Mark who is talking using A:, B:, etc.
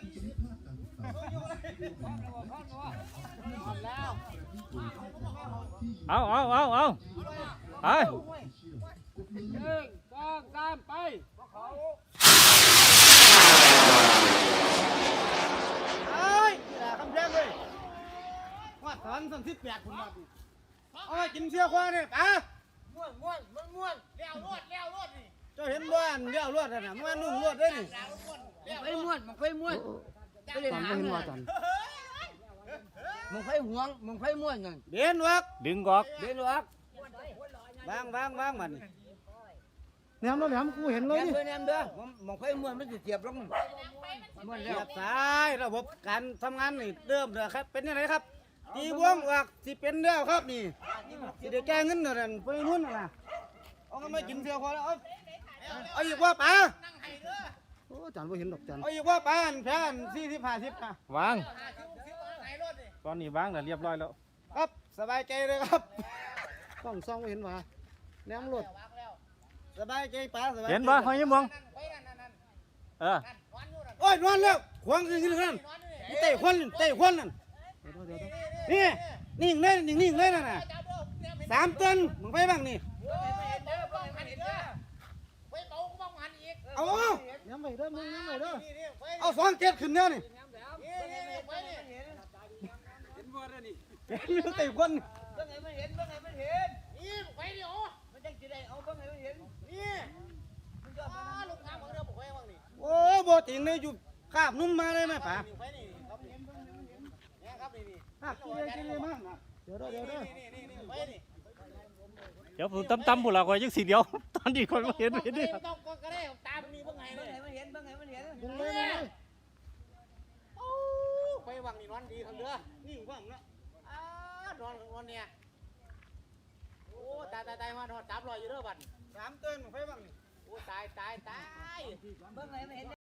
A: เอาไป1 2 3ไปคำแพงเลยว่าถอน38คุณมาดิเอาไปกินเสียควาเนี่ยป๋าม้วนเลี้ยวรวดนี่เจ้าเห็นบ้านเลี้ยวรวดน่ะมันนุ่งรวดได้นี่
B: มันไฟม้วนไปเล่นหางเลยมันไฟห่วงมันไฟม้วนไง
A: เดินวักดึงกอกวางมัน
C: แหนมแล้วแหนมกูเห็นเลยนี่
B: แหนมเด้อมันไฟม้วนมันจะเสียบลง
A: ม้วนแล้วสายระบบการทำงานนี่เริ่มแล้วครับเป็นยังไงครับตีวงวักสิเป็นแล้วครับนี่สิได้แก้เงินนั่นไปนู่นน่ะเอามากินเสียควาแล้วเอาอีกว่าป๋า
C: โอ้จานบ่เห็นดอกจาน
A: เอาอีกว่าป๋าแพ้40-50นะวางตอนนี้วางแล้วเรียบร้อยแล้วครับสบายใจเลยครับ
C: ต้องซ่องบ่เห็นว่าแหนมรถ
A: สบายใจป๋าสบาย
D: เห็นบ่หอยยิ้มมอง
A: โอ้ยนอนแล้วขวางขึ้นนั่นเตะควันนั่นนี่นิ่งเลยนั่นน่ะ3 ตันมึงไปบ้างนี่เอา
C: ย้ำไปเด้อมึงย้ำไปเด้อ
A: เอา2 7ขึ้นเนี่ยนี่เตะควัน
B: นี่ไฟเดียวมันจะกินได้เอาบ้างไงมันเห็นนี่ลูกค้าของเราบอกไว้บ้างนี่
A: โอ้บ่ติงเลยอยู่คาบนุ่มมาเลยไหมป๋ากินเลยมากนะ
C: เดี๋ยว
D: ผมตั้มๆพวกเราก็ยังสีเดียวตอนนี้คนมาเห็นดิ
B: ต้องก็ได้ตามีบ้างไงมันเห็น
A: ไปวังนี่นอนดีครับเด้อนี่ว่างนะ
B: นอนเนี่ยโอ้ตายมาจับรอยอยู่เด้อบัด
A: 3 ตันไปวังนี่
B: โอ้ตายบ้างไงมันเห็น